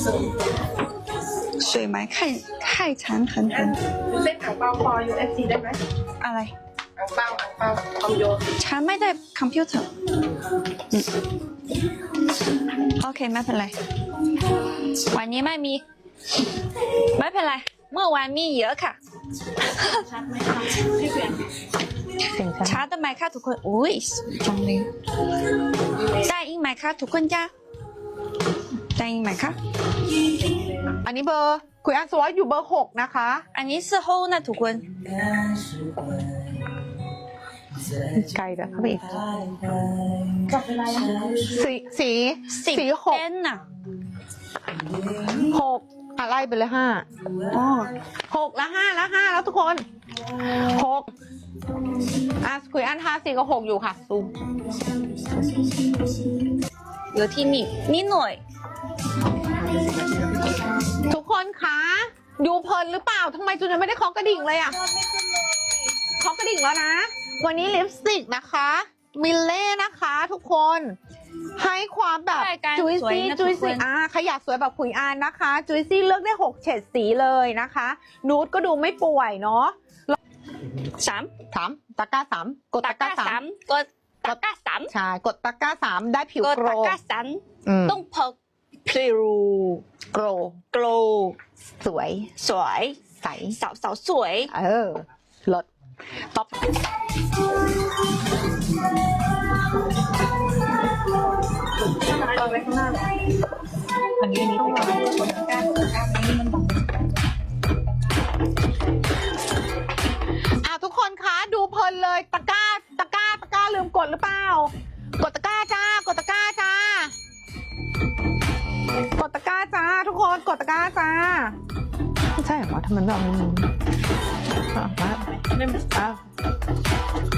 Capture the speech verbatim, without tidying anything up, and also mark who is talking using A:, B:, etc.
A: 水霾太太长很很。
B: เส้นอ่างเปาพอ ยู เอฟ ซี ได้ไหม
A: อะไร
B: อ่างเปาอ่างเปาคอมโย
A: ฉันไม่ได้คอมพิวเตอร์อืมโอเคไม่เป็นไรวันนี้ไม่มีไม่เป็นไรเมื่อวานมีเยอะค่ะ
B: ชัดไหมคะพี่เปลี่ยน
C: เสียงฉัน
A: ช้าทำไมคะทุกคนอุ้ยจังเลยได้ยินไหมคะทุกคนจ้าได้ยินไหมคะ
C: อันนี้เบอร์คุยอันสวอตอยู่เบอร์หกนะคะ
A: อันนี้是后นะทุกคน
C: ไกลแต่เข้าไปอีก
B: จับเวลายัง
C: สีสี
A: สิบ
C: สีหก
A: เซนน่ะ
C: หกอะไรไปเลยห้า
A: อ๋อ
C: หกแล้วห้าแล้วห้าแล้วทุกคนหกอ่ะคุยอันห้าสี่ก็หกอยู่ค่ะซูม
A: เหลือที่นี่นิดหน่อย
C: ทุกคนคะดูเพลินหรือเปล่าทำไมจูนยังไม่ได้เคาะกระดิ่งเลยอ่ะเคาะกระดิ่งแล้วนะ วันนี้ลิปสติกนะคะมิลเล่นะคะ ทุกคนให้ความแบบ
A: รายการ
C: จุย
A: สวย
C: ซี่
A: นะ
C: จุย
A: ทุกคน
C: ซี่อ่ะใครอยากสวยแบบขุยอานนะคะจุยซี่เลือกได้หกเฉดสีเลยนะคะนูดก็ดูไม่ป่วยเนาะ
A: สาม
C: สามตะกร้าสามกด
A: ตะ
C: ตะ
A: ก
C: ก
A: ร้า
C: ร้า
A: สา
C: สาม
A: มกดตะกร้าสาม
C: ใช่กดตะกร้าสามได้ผิว
A: กด
C: โกร
A: ตะกร้าสาม
C: อืม
A: ต้องพกพริว
C: โกร
A: โกล
C: สวย
A: สวย
C: ใส
A: สาวสาวสวย
C: เออลดป๊อป
B: เอาไว้ข้างหน้าอันนี้อันนี้ต้องวางบนตะกร้าตะกร้านี้มันบัง
C: อ่ะทุกคนคะดูเพลินเลยตะกร้าตะกร้าตะกร้าลืมกดหรือเปล่ากดตะกร้าจ้ากดตะกร้าจ้ากดตะกร้าจ้าทุกคนกดตะกร้าจ้าไม่ใช่เหรอทำไมไม่เอามืออ่ะมา
B: ไม่
C: อ่ะ